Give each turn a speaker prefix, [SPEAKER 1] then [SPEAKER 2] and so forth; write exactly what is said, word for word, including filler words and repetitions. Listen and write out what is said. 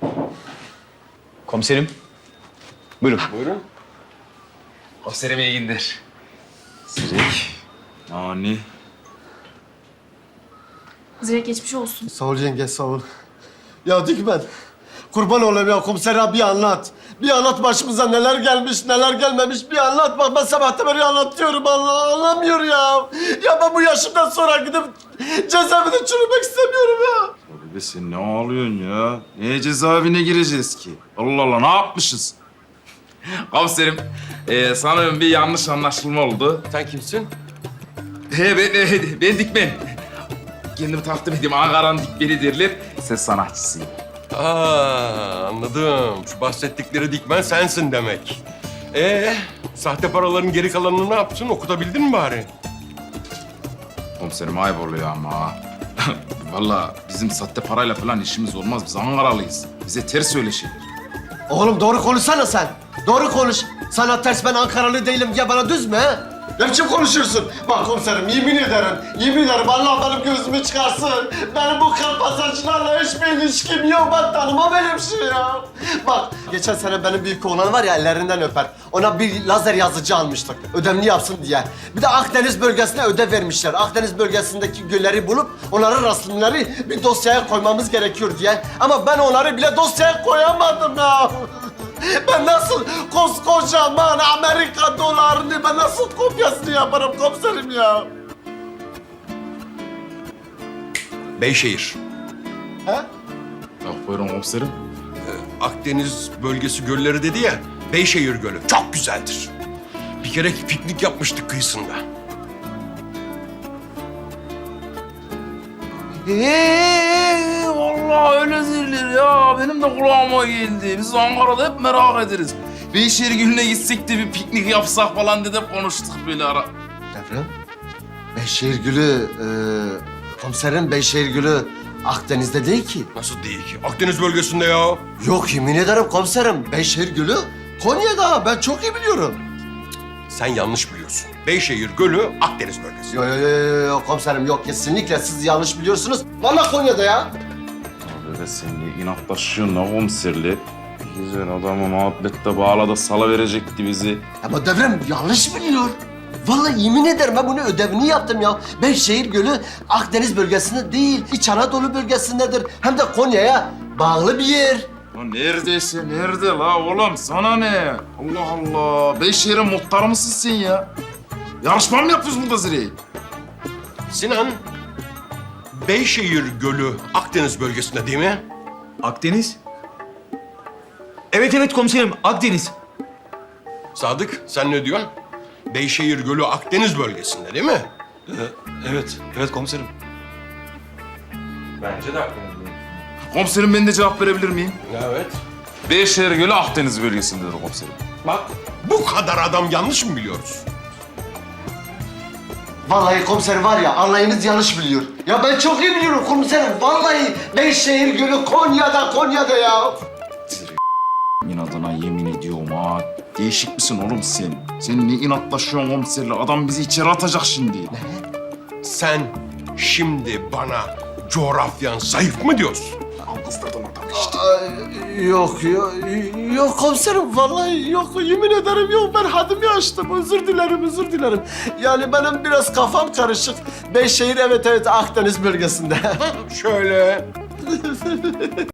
[SPEAKER 1] Komiserim. Buyurun.
[SPEAKER 2] Buyurun.
[SPEAKER 1] Komiserim iyi günler. Zirek. Nani.
[SPEAKER 3] Zirek geçmiş olsun.
[SPEAKER 2] Sağ ol yenge, sağ ol. Ya Dikmen, kurban olayım ya komiser abi bir anlat. Bir anlat başımıza neler gelmiş, neler gelmemiş bir anlat. Bak ben sabahtan beri anlatıyorum, Allah anlamıyor ya. Ya ben bu yaşımdan sonra gidip cezaevinde çürümek istemiyorum ya.
[SPEAKER 4] Abi sen ne ağlıyorsun ya? Niye cezaevine gireceğiz ki? Allah Allah ne yapmışız?
[SPEAKER 5] Komiserim, e, sanırım bir yanlış anlaşılma oldu.
[SPEAKER 2] Sen kimsin?
[SPEAKER 5] He, ben, e, ben Dikmen. Kendimi takdim edeyim, Ankara'nın Dikmen'i derler. Ses sanatçısıyım.
[SPEAKER 6] Aa, anladım. Şu bahsettikleri Dikmen sensin demek. Ee, sahte paraların geri kalanını ne yaptın? Okutabildin mi bari?
[SPEAKER 5] Komiserim ayıp oluyor ama. Vallahi bizim sahte parayla falan işimiz olmaz. Biz Ankaralıyız. Bize ters öyle şeyler.
[SPEAKER 2] Oğlum doğru konuşsana sen. Doğru konuş. Sana ters ben Ankaralı değilim diye bana düz mü he? Ne biçim konuşuyorsun? Bak komiserim yemin ederim, yemin ederim Allah benim gözümü çıkarsın. Benim bu kalpasajlarla hiçbir ilişkim yok. Ben tanımam öyle bir şey ya. Bak geçen sene benim büyük oğlan var ya ellerinden öper. Ona bir lazer yazıcı almıştık ödevini yapsın diye. Bir de Akdeniz bölgesine ödev vermişler. Akdeniz bölgesindeki gölleri bulup onların resimleri bir dosyaya koymamız gerekiyor diye. Ama ben onları bile dosyaya koyamadım ya. Ben nasıl koskocaman Amerika dolarını ben nasıl kopyasını yaparım komiserim ya?
[SPEAKER 6] Beyşehir.
[SPEAKER 2] He?
[SPEAKER 5] Bak buyurun komiserim.
[SPEAKER 6] Akdeniz bölgesi gölleri dedi ya, Beyşehir Gölü çok güzeldir. Bir kere piknik yapmıştık kıyısında.
[SPEAKER 5] Eee vallahi öyle zirler ya. Benim de kulağıma geldi. Biz Ankara'da hep merak ederiz. Beyşehir Gölü'ne gitsek de bir piknik yapsak falan dedik konuştuk böyle ara.
[SPEAKER 2] Devrem, Beyşehir Gölü, e, komiserim Beyşehir Gölü Akdeniz'de değil ki.
[SPEAKER 6] Nasıl değil ki? Akdeniz bölgesinde ya.
[SPEAKER 2] Yok yemin ederim komiserim Beyşehir Gölü Konya'da ben çok iyi biliyorum.
[SPEAKER 6] Sen yanlış biliyorsun. Beyşehir Gölü Akdeniz bölgesi.
[SPEAKER 2] Yok yok yok yo, komiserim yok kesinlikle siz yanlış biliyorsunuz. Vallahi Konya'da ya.
[SPEAKER 4] Abi be sen ne inatlaşıyorsun la komiserle? Güzel adamı muhabbette bağladı salıverecekti bizi.
[SPEAKER 2] Ama Devrem yanlış biliyor. Vallahi yemin ederim ben bunu ödevini yaptım ya. Beyşehir Gölü Akdeniz bölgesinde değil, İç Anadolu bölgesindedir. Hem de Konya'ya bağlı bir yer.
[SPEAKER 5] Ya neredeyse nerede la oğlum sana ne? Allah Allah. Beyşehir'e muhtar mısın sen ya? Yarışma mı yapıyoruz burada Zire'yi?
[SPEAKER 6] Sinan, Beyşehir Gölü Akdeniz bölgesinde değil mi?
[SPEAKER 1] Akdeniz? Evet evet komiserim Akdeniz.
[SPEAKER 6] Sadık, sen ne diyorsun? Beyşehir Gölü Akdeniz bölgesinde değil mi?
[SPEAKER 1] Evet, evet komiserim.
[SPEAKER 5] Komiserim ben de cevap verebilir miyim?
[SPEAKER 6] Evet.
[SPEAKER 5] Beyşehir Gölü Akdeniz bölgesindedir komiserim.
[SPEAKER 6] Bak, bu kadar adam yanlış mı biliyoruz?
[SPEAKER 2] Vallahi komiser var ya anlayınız yanlış biliyor. Ya ben çok iyi biliyorum komiserim. Vallahi Beyşehir Gölü Konya'da, Konya'da ya.
[SPEAKER 4] İnadına yemin ediyorum ha. Değişik misin oğlum sen? Sen ne inatlaşıyorsun komiserle? Adam bizi içeri atacak şimdi.
[SPEAKER 6] Sen şimdi bana coğrafyan zayıf mı diyorsun?
[SPEAKER 2] Ay, yok, yok, yok komiserim vallahi yok. Yemin ederim yok ben haddimi aştım. Özür dilerim, özür dilerim. Yani benim biraz kafam karışık. Beyşehir evet evet Akdeniz bölgesinde.
[SPEAKER 6] Şöyle